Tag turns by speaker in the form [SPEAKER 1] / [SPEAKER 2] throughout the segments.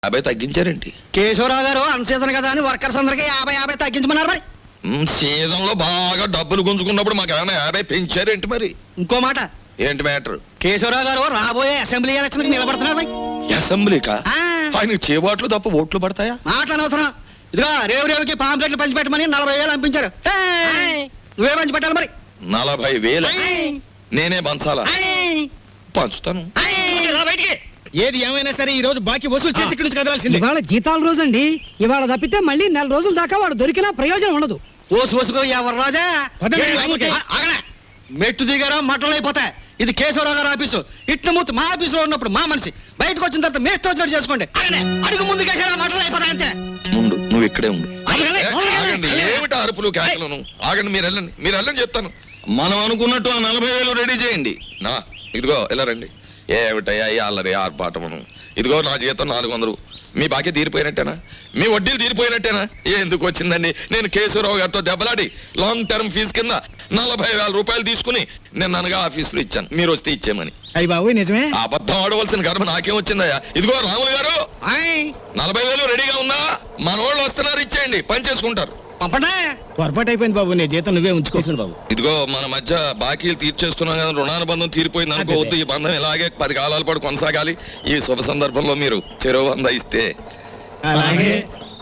[SPEAKER 1] 50 తగ్గించారేంటి?
[SPEAKER 2] కేశవరావు గారు అన్సీజన్ కదా అని వర్కర్స్ అందరికి 50 తగ్గించమన్నారు మరి.
[SPEAKER 1] సీజన్ లో బాగా డబ్బులు గుంజుకున్నప్పుడు మాకు ఏమైనా 50 పెంచారేంటి మరి?
[SPEAKER 2] ఇంకో మాట,
[SPEAKER 1] ఏంటి మ్యాటర్?
[SPEAKER 2] కేశవరావు గారు రాబోయే అసెంబ్లీ ఎలక్షన్ కి నిలబడుతున్నారు మరి.
[SPEAKER 1] అసెంబ్లీకా? ఆయన చేబాట్లు తప్ప ఓట్లు పడతాయా?
[SPEAKER 2] మాట్లాడనవసరం. ఇదిగో రేవుకి పాంప్లెట్లు పంచిపెట్టమని 40,000 పంపించారు. నువ్వే పంచి పెట్టాలి మరి.
[SPEAKER 1] 40,000 నేనే పంచాలా? పంచుతాను.
[SPEAKER 3] ఏది ఏమైనా సరే ఈ రోజు బాకీ వసూలు చేసి ఇక్కడి నుంచి కదలాల్సింది.
[SPEAKER 4] ఇవాళ జీతాల రోజు అండి. ఇవాళ తప్పితే మళ్ళీ 4 రోజుల దాకా వాడు దొరికినా ప్రయోజనం ఉండదు.
[SPEAKER 2] ఓసుకో ఎవరు రాజా మెట్టు దిగారా మట్టలు అయిపోతాయి. ఇది కేశవరావు గారు ఆఫీసు. ఇట్ల మూర్తి మా ఆఫీసులో ఉన్నప్పుడు మా మనిషి, బయటకు వచ్చిన తర్వాత మేస్తో వచ్చినట్టు చేసుకోండి. అడుగు ముందు కేసారా మట్టలు అయిపోతాయి అంతే.
[SPEAKER 1] ముందు నువ్వు ఇక్కడే ఉండు. ఆగండి, ఏమిటి అరుపులు కేకలను? ఆగండి, మీరు వెళ్ళండి చెప్తాను. మనం అనుకున్నట్టు ఆ 40,000 రెడీ చేయండి. నా ఇదిగో ఇలా రండి. ఏమిటయ్యా ఈ అల్లరి ఆర్పాటమును? ఇదిగో నా జీతం 400. మీ బాకీ తీరిపోయినట్టేనా? మీ వడ్డీలు తీరిపోయినట్టేనా? ఎందుకు వచ్చిందండి? నేను కేశవరావు గారితో దెబ్బలాడి లాంగ్ టర్మ్ ఫీజు కింద 40,000 రూపాయలు తీసుకుని నేను అనగా ఆఫీసులో ఇచ్చాను. మీరు వస్తే ఇచ్చేమని.
[SPEAKER 3] అయ్యి బాబు నిజమే.
[SPEAKER 1] అబద్ధం ఆడవలసిన గర్భ నాకేం వచ్చిందయ్యా? ఇదిగో రాములు గారు, 40,000 రెడీగా ఉందా? మన వాళ్ళు వస్తున్నారు, ఇచ్చేయండి, పని చేసుకుంటారు.
[SPEAKER 3] పొరపాటు అయిపోయింది బాబు, నీ జీతం నువ్వే ఉంచుకోవచ్చు బాబు.
[SPEAKER 1] ఇదిగో మన మధ్య బాకీలు తీర్చేస్తున్నాం కదా, రుణానుబంధం తీరిపోయింది అనుకోవద్దు. ఈ బంధం ఇలాగే 10 కాలాల పాటు కొనసాగాలి. ఈ శుభ సందర్భంలో మీరు చెరువు 100 ఇస్తే.
[SPEAKER 3] అలాగే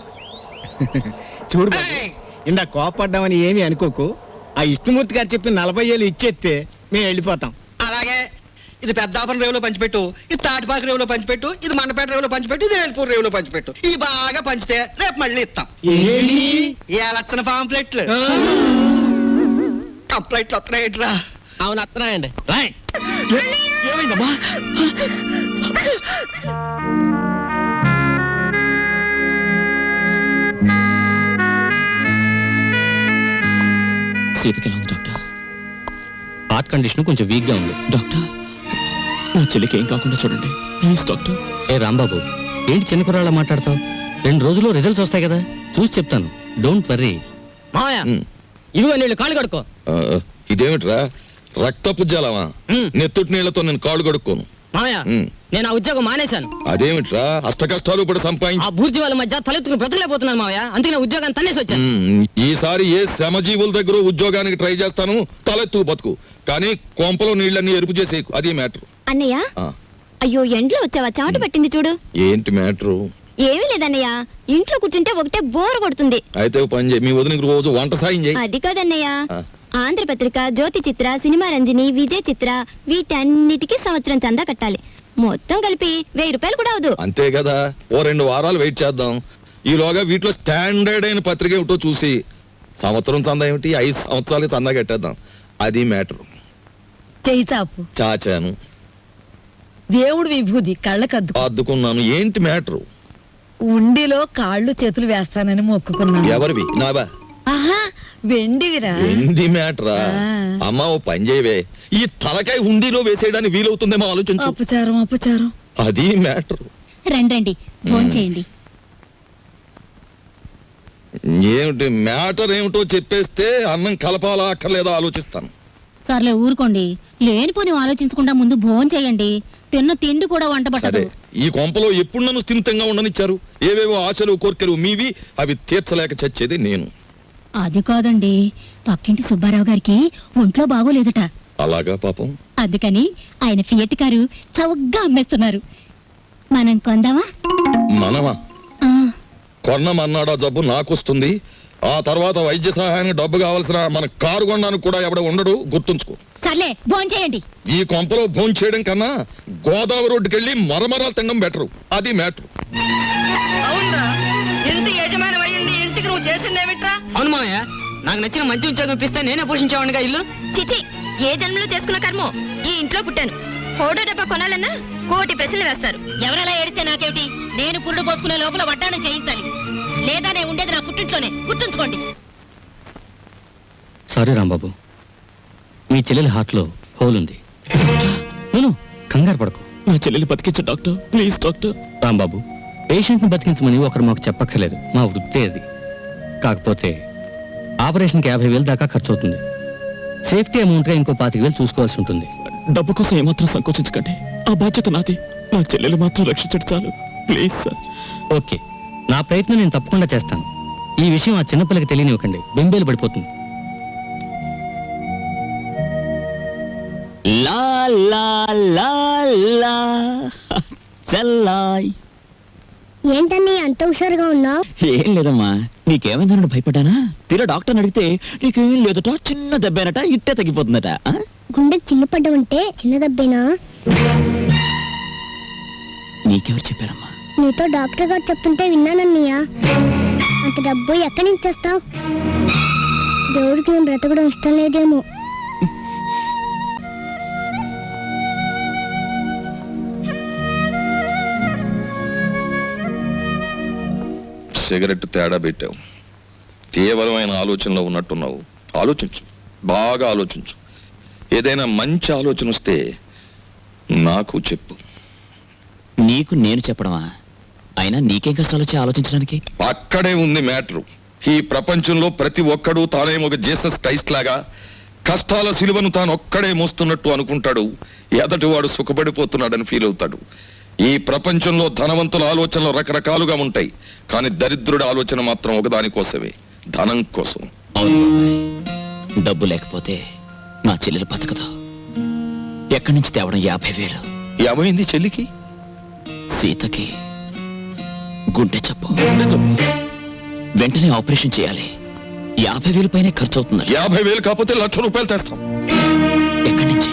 [SPEAKER 3] చూడు బాబు, ఇందా కోపడ్డామని ఏమీ అనుకోకు. ఆ ఇష్టమూర్తి గారు చెప్పి 40,000 ఇచ్చేస్తే మేము వెళ్ళిపోతాం.
[SPEAKER 2] అలాగే ఇది పెద్దాపురం రేవులో పంచిపెట్టు, ఇది తాటిపాక రేవులో పంచిపెట్టు, ఇది మండపేట రేవులో పంచిపెట్టు, ఇది వేల్పూర్ రేవులో పంచిపెట్టు. ఈ బాగా పంచితే రేపు మళ్ళీ ఇస్తాం. ఏ లక్షణ పాంప్లెట్లు కంప్లైంట్లు వస్తున్నాయిట్రా.
[SPEAKER 4] అవును వస్తున్నాయండి.
[SPEAKER 2] ఏమైందమ్మా?
[SPEAKER 5] సీతకి ఎలా ఉంది డాక్టర్? హార్ట్ కండిషన్ కొంచెం వీక్ గా ఉంది డాక్టర్. నా చెల్లికి ఏం కాకుండా చూడండి ప్లీజ్ డాక్టర్. ఏ రాంబాబు, ఏంటి చిన్న కుర్రాళ్ళ మాట్లాడతావు? 2 రోజుల్లో రిజల్ట్స్ వస్తాయి కదా, చూసి చెప్తాను. Don't worry.
[SPEAKER 4] మాయా ఇదిగో నీళ్ళు కాళ్ళు కడుక్కో.
[SPEAKER 1] ఇదేమిట్రా, రక్తపు జలమా? నెత్తుటి నీళ్లతో నేను కాళ్ళు కడుక్కోను.
[SPEAKER 4] మాయా నేను ఆ ఉద్యోగం మానేశాను.
[SPEAKER 1] అదేమిట్రా, అష్ట కష్టాలు ఇప్పుడు సంపాదించి
[SPEAKER 4] ఆ బూర్జీ వాళ్ళ మధ్య తలెత్తుకుని బ్రతకలేకపోతున్నాను మావయ్య. అందుకే నా ఉద్యోగాన్ని తన్నేసి వచ్చాను.
[SPEAKER 1] ఈసారి ఏ శ్రమజీవుల దగ్గర ఉద్యోగానికి ట్రై చేస్తాను, తలెత్తు బతుకు. కానీ కొంపలో నీళ్ళన్నీ ఎరుపు చేసేకు, అది మ్యాటర్.
[SPEAKER 6] అన్నయ్య, అయ్యో ఎండ్లో వచ్చావా? చెమట పట్టింది చూడు.
[SPEAKER 1] ఏంటి మ్యాటరు?
[SPEAKER 6] ఏమీ లేదన్నయ్య, ఇంట్లో కూర్చుంటే ఒకటే బోర్ కొడుతుంది.
[SPEAKER 1] అయితే పని చేయి, మీ వదినకి రోజు వంట సాయం చేయి.
[SPEAKER 6] అది కాదన్నయ్య, ఆంధ్రపత్రిక, జ్యోతి చిత్ర, సినిమా రంజని, విజయ్ చిత్ర వీటన్నిటికీ సంవత్సరం చందా కట్టాలి. మొత్తం కలిపి 1,000 రూపాయలు కూడా అవదు.
[SPEAKER 1] అంతే కదా, ఓ 2 వారాలు వెయిట్ చేద్దాం. ఈలోగా వీటిలో స్టాండర్డ్ అయిన పత్రిక ఏమిటో చూసి సంవత్సరం చందా ఏమిటి, 5 సంవత్సరాలకి చందా కట్టేద్దాం. అది మ్యాటర్.
[SPEAKER 7] చేయి చాపు.
[SPEAKER 1] చాచాను.
[SPEAKER 7] దేవుడు విభూది కళ్ళకద్దు
[SPEAKER 1] అద్దుకున్నాను. ఏంటి మ్యాటర్?
[SPEAKER 7] ఉండిలో కాళ్ళు చేతులు వేస్తానని మొక్కుకున్నాను.
[SPEAKER 1] ఎవరివి? నావా?
[SPEAKER 7] ఆహా, వెండివిరా.
[SPEAKER 1] ఏంటి మ్యాటరా? అమ్మా ఓ పని చేయవే, ఈ తలకాయ హుండీలో వేసేయడానికి వీలవుతుందేమో ఆలోచించు.
[SPEAKER 7] అపచారం.
[SPEAKER 1] అది మ్యాటర్.
[SPEAKER 6] రండి ఫోన్ చేయండి.
[SPEAKER 1] ఏమిటి మ్యాటర్ ఏమిటో చెప్పేస్తే అన్నం కలపాలా అక్కర్లేదా ఆలోచిస్తాను.
[SPEAKER 6] సర్లే ఊరుకోండి, లేనిపోని ఆలోచించకుండా ముందు భోజనం చేయండి. తిన్న తిండి కూడా వంట పట్టదు.
[SPEAKER 1] ఈ కొంపలో ఎప్పుడు నన్ను స్థిమితంగా ఉండనిచ్చారు? ఏవేవో ఆశలు కోర్కెలు మీవి, అవి తీర్చలేక చచ్చేది నేను.
[SPEAKER 6] అది కాదండి, పక్కింటి సుబ్బారావు గారికి ఒంట్లో బాగోలేదట.
[SPEAKER 1] అలాగా పాపం.
[SPEAKER 6] అందుకని ఆయన ఫియట్ కారు చౌకగా అమ్మేస్తున్నారు. మనం కొందామా?
[SPEAKER 1] మనమా? కొన్నమన్నాడా జబ్బు నాకొస్తుంది. ఆ తర్వాత వైద్య సహాయానికి డబ్బు కావాల్సిన మన కారు కొనడానికి కూడా ఎవడ ఉండడు, గుర్తుంచుకో.
[SPEAKER 6] సర్లే భోజనం చేయండి.
[SPEAKER 1] ఈ కొంపలో భోజనం చేయడం కన్నా గోదావరి రోడ్డుకి వెళ్ళి మరమరాలు తినడం బెటరు. అది మ్యాటర్.
[SPEAKER 4] అవునరా, ఇంటి యజమాని అయ్యండి ఇంటికి నువ్వు చేసిందేమిట్రా? అవును మావయ్య, నాకు నచ్చిన మంచి ఉద్యోగం ఇప్పిస్తే నేనే పోషించేవాడిగా ఇల్లు.
[SPEAKER 6] చిచి, ఏ జన్మలో చేసుకున్న కర్మో ఈ ఇంట్లో పుట్టాను. ఫోటో డబ్బా కొనాలన్నా 1,000 ప్రశ్నలు వేస్తారు. ఎవరెలా ఏడితే నాకేమిటి? నేను పురుడు పోసుకునే లోపల వడ్డాణం చేయించాలి, లేదా నేను ఉండేది నా పుట్టింట్లోనే, గుర్తుంచుకోండి.
[SPEAKER 5] సారీ రాంబాబు, మీ చెల్లెలి హార్ట్ లో హోల్ ఉంది. నేను కంగారు పడకు. నా చెల్లెలి బతికించు doctor, please doctor. Rambabu, patient ని బతికించమని ఒకరు మాకు చెప్పక్కర్లేదు, మా వృత్తే అది. కాకపోతే ఆపరేషన్కి 50,000 దాకా ఖర్చు అవుతుంది. సేఫ్టీ అమౌంట్ గా ఇంకో 25,000 చూసుకోవాల్సి ఉంటుంది.
[SPEAKER 8] డబ్బు కోసం ఏమాత్రం సంకోచించకండి, ఆ బాధ్యత నాది. నా చెల్లెలు మాత్రం రక్షించడు చాలు.
[SPEAKER 5] Please sir. ఓకే, నా ప్రయత్నం నేను తప్పకుండా చేస్తాను. ఈ విషయం ఆ చిన్నపిల్లకి తెలియనివ్వకండి, బెంబేలు పడిపోతుంది. లా లా లా లా చల్లాయ్.
[SPEAKER 8] ఏంటని అంత హుషారుగా ఉన్నావు?
[SPEAKER 9] ఏం లేదమ్మా, నీకేమైందన్నాడు భయపడ్డానా? తీరా డాక్టర్ని అడిగితే నీకేం లేదట, చిన్న దెబ్బేనట, ఇట్టే తగ్గిపోతుందట. ఆ?
[SPEAKER 8] గుండెకి చిల్లు పడ్డమంటే చిన్న దెబ్బేనా?
[SPEAKER 9] నీకెవరు చెప్పారమ్మా?
[SPEAKER 8] నీతో డాక్టర్ గారు చెప్తుంటే విన్నానన్నయ్య. అంత డబ్బు ఎక్కడి నుంచి తెస్తావు? దేవుడికి నేను బ్రతకడం ఇష్టం లేదేమో.
[SPEAKER 1] సిగరెట్ తేడా పెట్టావు. తీవ్రమైన ఆలోచనలో ఉన్నట్టున్నావు. ఆలోచించు, బాగా ఆలోచించు. ఏదైనా మంచి ఆలోచన వస్తే నాకు చెప్పు.
[SPEAKER 9] నీకు నేను చెప్పడమా? అయినా నీకేం కష్టాలు వచ్చి ఆలోచించడానికి?
[SPEAKER 1] అక్కడే ఉంది మ్యాటరు. ఈ ప్రపంచంలో ప్రతి ఒక్కడూ తానేమో ఒక జీసస్ క్రైస్ట్ లాగా కష్టాల సిలువను తాను ఒక్కడే మోస్తున్నట్టు అనుకుంటాడు. ఎదటివాడు సుఖపడిపోతున్నాడని ఫీల్ అవుతాడు. ఈ ప్రపంచంలో ధనవంతుల ఆలోచనలు రకరకాలుగా ఉంటాయి, కానీ దరిద్రుడి ఆలోచన మాత్రం ఒకదానికోసమే, ధనం కోసం.
[SPEAKER 9] అవును బాబాయ్, డబ్బు లేకపోతే నా చెల్లెలు బతకదు. ఎక్కడి నుంచి తేవడం 50,000?
[SPEAKER 1] ఏమైంది చెల్లికి?
[SPEAKER 9] సీతకి గుండె జబ్బు. వెంటనే ఆపరేషన్ చేయాలి. 50,000 పైనే ఖర్చు అవుతుంది.
[SPEAKER 1] 50,000 కాకపోతే ₹1,00,000 తెస్తాం.
[SPEAKER 9] ఎక్కడి నుంచి?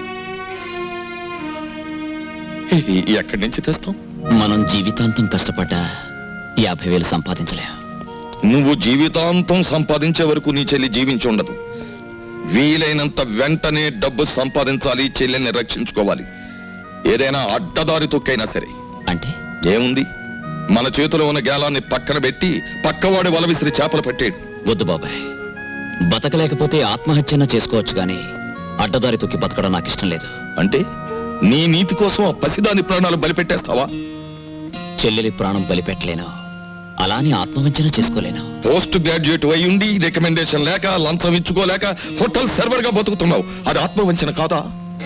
[SPEAKER 1] ఎక్కడి నుంచి తెస్తాం?
[SPEAKER 9] మనం జీవితాంతం కష్టపడ్డా 50,000 సంపాదించలేం.
[SPEAKER 1] నువ్వు జీవితాంతం సంపాదించే వరకు నీ చెల్లి జీవించి ఉండదు. వీలైనంత వెంటనే డబ్బు సంపాదించాలి, చెల్లెల్ని రక్షించుకోవాలి. ఏదైనా అడ్డదారి తొక్కైనా సరే.
[SPEAKER 9] అంటే
[SPEAKER 1] ఏముంది, మన చేతిలో ఉన్న గేలాన్ని పక్కన పెట్టి పక్కవాడి వల విసిరి చేపలు పట్టేడు.
[SPEAKER 9] వద్దు బాబాయ్, బతకలేకపోతే ఆత్మహత్యన చేసుకోవచ్చు, గాని అడ్డదారి తొక్కి బతకడం నాకు ఇష్టం లేదు.
[SPEAKER 1] అంటే నీ నీతి కోసం ఆ పసిదాని ప్రాణాలు బలిపెట్టేస్తావా?
[SPEAKER 9] చెల్లెలి ప్రాణం బలిపెట్టలేను, అలానే ఆత్మవంచన చేసుకోలేను.
[SPEAKER 1] పోస్ట్ గ్రాడ్యుయేట్ అయ్యుండి రికమెండేషన్ లేక లంచం ఇచ్చుకోలేక హోటల్ సర్వర్ గా బతుకుతున్నావు. అది ఆత్మవంచన కాదా?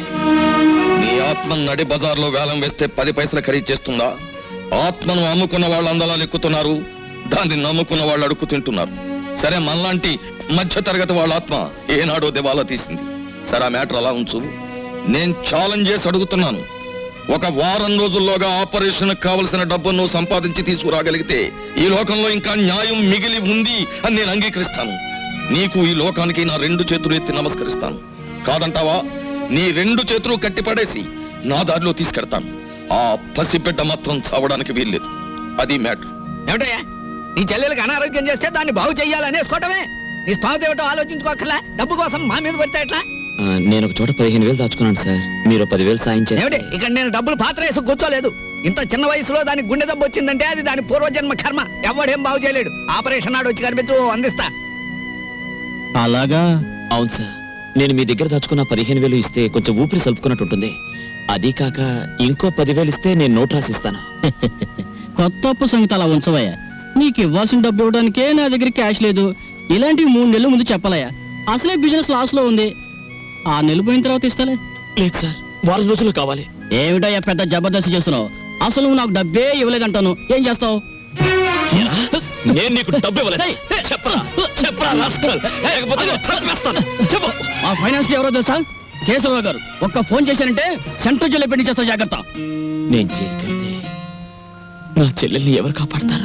[SPEAKER 1] నీ ఆత్మ నడి బజార్లో వేలం వేస్తే 10 పైసలు ఖరీదు చేస్తుందా? ఆత్మను అమ్ముకున్న వాళ్ళు అందలాలు ఎక్కుతున్నారు, దాన్ని నమ్ముకున్న వాళ్ళు అడుక్కు తింటున్నారు. సరే, మనలాంటి మధ్య తరగతి వాళ్ళ ఆత్మ ఏనాడో దివాలా తీసింది. సరే, ఆ మ్యాటర్ అలా ఉంచు. నేను ఛాలెంజ్ చేసి అడుగుతున్నాను. ఒక వారం రోజుల్లోగా ఆపరేషన్ కావలసిన డబ్బును నువ్వు సంపాదించి తీసుకురాగలిగితే ఈ లోకంలో ఇంకా న్యాయం మిగిలి ఉంది అని నేను అంగీకరిస్తాను. నీకు, ఈ లోకానికి నా 2 చేతులు ఎత్తి నమస్కరిస్తాను. కాదంటావా? నీ 2 చేతులు కట్టిపడేసి నా దారిలో తీసుకెడతాను. ఆ పసిబిడ్డ మాత్రం చావడానికి వీల్లేదు. అది మ్యాటర్.
[SPEAKER 3] ఏమిటయ్యా, నీ చెల్లెలకు అనారోగ్యం చేస్తే దాన్ని బాగు చెయ్యాలనేసుకోవటమే. నీ స్థానం ఏమిటో ఆలోచించుకోకర్లా. డబ్బు కోసం మా మీద పడితే ఎట్లా?
[SPEAKER 9] నేను ఒక చోట 15,000 దాచుకున్నాను సార్. మీరు 10,000 సాయం చేస్తే.
[SPEAKER 3] ఏమిటి, ఇక్కడ నేను డబ్బులు పాత్ర వేసి కూర్చోలేదు. ఇంత చిన్న వయసులో దానికి గుండె దెబ్బ వచ్చిందంటే అది దాని పూర్వజన్మ కర్మ. ఎవడేం బాగు చేయలేడు. ఆపరేషన్ నాడు వచ్చి కనిపించు, అందిస్తా.
[SPEAKER 5] అలాగా?
[SPEAKER 9] అవును సార్, నేను మీ దగ్గర దాచుకున్న 15,000 ఇస్తే కొంచెం ఊపిరి సలుపుకున్నట్టు ఉంటుంది. అది కాక ఇంకో 10,000 ఇస్తే నేను నోట్ రాసిస్తాను.
[SPEAKER 5] కొత్త అప్పు సంగతి అలా ఉంచవయ్యా. నీకు ఇవ్వాల్సిన డబ్బు ఇవ్వడానికే నా దగ్గర క్యాష్ లేదు. ఇలాంటివి 3 నెలల ముందు చెప్పాలయ్యా. అసలే బిజినెస్ లాస్ లో ఉంది. 6 నెలలు పోయిన తర్వాత ఇస్తాలే.
[SPEAKER 9] లేదు సార్, వారం రోజులు కావాలి.
[SPEAKER 5] ఏమిటయ్యా పెద్ద జబర్దస్త్ చేస్తున్నావు? అసలు నువ్వు నాకు డబ్బే ఇవ్వలేదంటాను. ఏం చేస్తావు?
[SPEAKER 9] నేను నీకు డబ్బు ఇవ్వలేదు. చెప్పరా చెప్పరా రాస్కల్. లేకపోతే నేను చంపేస్తాను. చెప్పు.
[SPEAKER 5] మా ఫైనాన్స్ కి ఎవరో తెలుసా? కేశవరావు గారు. ఒక్క ఫోన్ చేశానంటే సెంట్రల్ జైల్లో పెట్టి చేస్తా, జాగ్రత్త.
[SPEAKER 9] నేను జైలుకెళ్తే నా చెల్లెల్ని ఎవరు కాపాడతారు?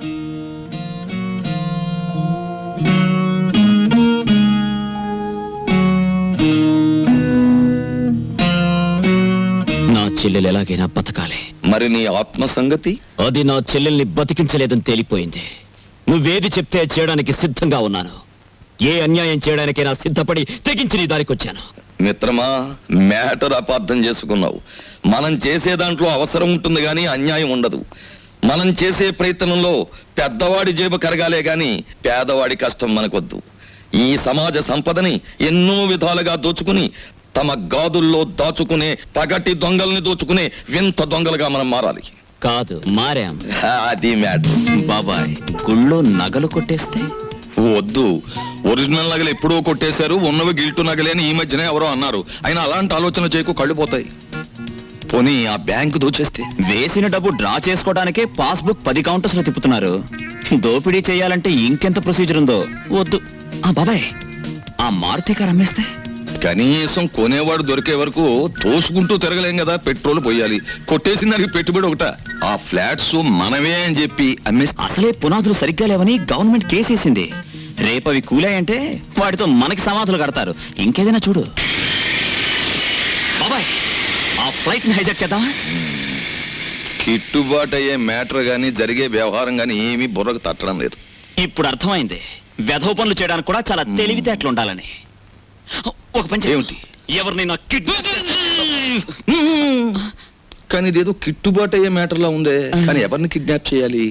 [SPEAKER 9] నా చెల్లెలు ఎలాగైనా బతకాలి.
[SPEAKER 1] మరి నీ ఆత్మ సంగతి?
[SPEAKER 9] అది నా చెల్లెల్ని బతికించలేదని తేలిపోయింది. నువ్వేది చెప్తే చేయడానికి సిద్ధంగా ఉన్నాను. ఏ అన్యాయం చేయడానికైనా సిద్ధపడి తెగించి నీ దారికి వచ్చాను.
[SPEAKER 1] మిత్రమా, మ్యాటర్ అపార్థం చేసుకున్నావు. మనం చేసే దాంట్లో అవసరం ఉంటుంది గాని అన్యాయం ఉండదు. మనం చేసే ప్రయత్నంలో పెద్దవాడి జేబు కరగాలే గాని పేదవాడి కష్టం మనకొద్దు. ఈ సమాజ సంపదని ఎన్నో విధాలుగా దోచుకుని తమ గాదుల్లో దాచుకునే పగటి దొంగల్ని దోచుకునే వింత దొంగలుగా మనం మారాలి.
[SPEAKER 9] కాదు, మారాం.
[SPEAKER 1] అది మ్యాటర్.
[SPEAKER 9] బాబాయ్, గుళ్ళో నగలు కొట్టేస్తే?
[SPEAKER 1] వద్దు, ఒరిజినల్ నగలు ఎప్పుడో కొట్టేశారు, ఉన్నవి గిల్టు నగలే అని ఈ మధ్యనే ఎవరో అన్నారు. అయినా అలాంటి ఆలోచన చేయకు, కళ్ళు పోతాయి. పోనీ ఆ బ్యాంకు దోచేస్తే?
[SPEAKER 9] వేసిన డబ్బు డ్రా చేసుకోవడానికే పాస్బుక్ 10 కౌంటర్స్ లో తిప్పుతున్నారు. దోపిడీ చేయాలంటే ఇంకెంత ప్రొసీజర్ ఉందో. వద్దు. ఆ బాబాయ్, ఆ మారుతి కారు అమ్మేస్తే?
[SPEAKER 1] కనీసం కొనేవాడు దొరికే వరకు తోసుకుంటూ తిరగలేం కదా, పెట్రోల్ పోయాలి. కొట్టేసిన దానికి పెట్టుబడి ఒకట. ఆ ఫ్లాట్స్ మనవే అని చెప్పి అమ్మేస్తే?
[SPEAKER 9] అసలే పునాదులు సరిగ్గా లేవని గవర్నమెంట్ కేసేసింది. రేపవి కూలాయంటే వాటితో మనకి సమాధులు కడతారు. ఇంకేదైనా చూడు. బాబాయ్, ఆ ఫ్లైట్ ని హైజాక్ చేద్దామా?
[SPEAKER 1] కిట్టుబాటు అయ్యే మ్యాటర్ గానీ జరిగే వ్యవహారం గానీ ఏమీ బుర్రకు తట్టడం లేదు.
[SPEAKER 9] ఇప్పుడు అర్థమైంది వెధవ పనులు చేయడానికి కూడా చాలా తెలివితేటలు ఉండాలని. ఒక పని చేయి.
[SPEAKER 1] ఏమిటి?
[SPEAKER 9] ఎవరినైనా కిడ్నాప్
[SPEAKER 1] కానీ ఇదేదో కిట్టుబాటు అయ్యే మ్యాటర్ లా ఉందే. కానీ ఎవరిని కిడ్నాప్ చేయాలి?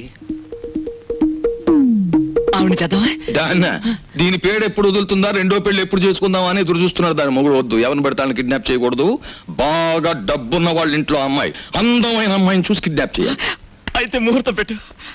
[SPEAKER 9] ఆవిడ చేద్దామా?
[SPEAKER 1] దాన్న దీని పేరు ఎప్పుడు వదులుతుందా, రెండో పెళ్లి ఎప్పుడు చేసుకుందాం అని ఎదురు చూస్తున్నారు. దాని మొగుడు వద్దు, ఎవరిని పెడతాను కిడ్నాప్ చేయకూడదు. బాగా డబ్బున్న వాళ్ళ ఇంట్లో అమ్మాయి, అందమైన అమ్మాయిని చూసి కిడ్నాప్ చేయాలి.
[SPEAKER 9] అయితే ముహూర్తం పెట్టు.